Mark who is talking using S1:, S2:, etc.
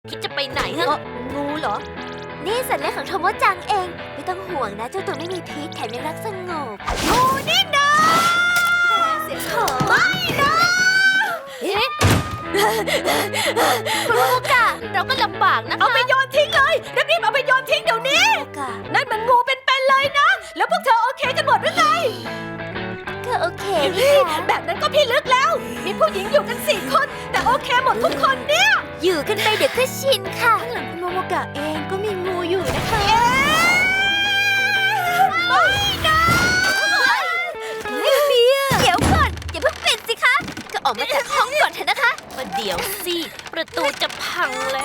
S1: คิดจะไปไหนฮะงูเหรอ
S2: นี่สัตว์เลี้ยงของโทโมจังเอง ไม่ต้องห่วงนะเจ้าตัวไม่มีพิษแถมยังรักสงบ
S1: งูนี่นะ
S2: เสียงโถ
S1: ไม่นะเอ๊ะคุณโมกะเราก็ลำบากนะคะ
S3: เอาไปโยนทิ้งเลยรีบๆเอาไปโยนทิ้งเดี๋ยวนี้
S2: โอกา
S3: นั่นมันงูเป็นๆเลยนะ แล้วพวกเธอโอเคกันหมดหรือไง
S2: ก็โอเคนี่ค่ะ
S3: แบบนั้นก็พี่ลึกแล้ว มีผู้หญิงอยู่กัน4 คน แต่โอเคหมดทุกคนเนี่ย
S2: อยู่กันไปเดี๋ยวก็ชินค่ะ
S3: ข้างหลังคุณโมโมกะเองก็มีงูอยู่นะคะ
S2: ไม่นะไม่มีอะเดี๋ยวก่อนอย่าเพิ่งปิดสิคะ ก็ออกมาจากห้องก่อนเถอะนะคะ
S1: ประเดี๋ยวสิ ประตูจะพังแล้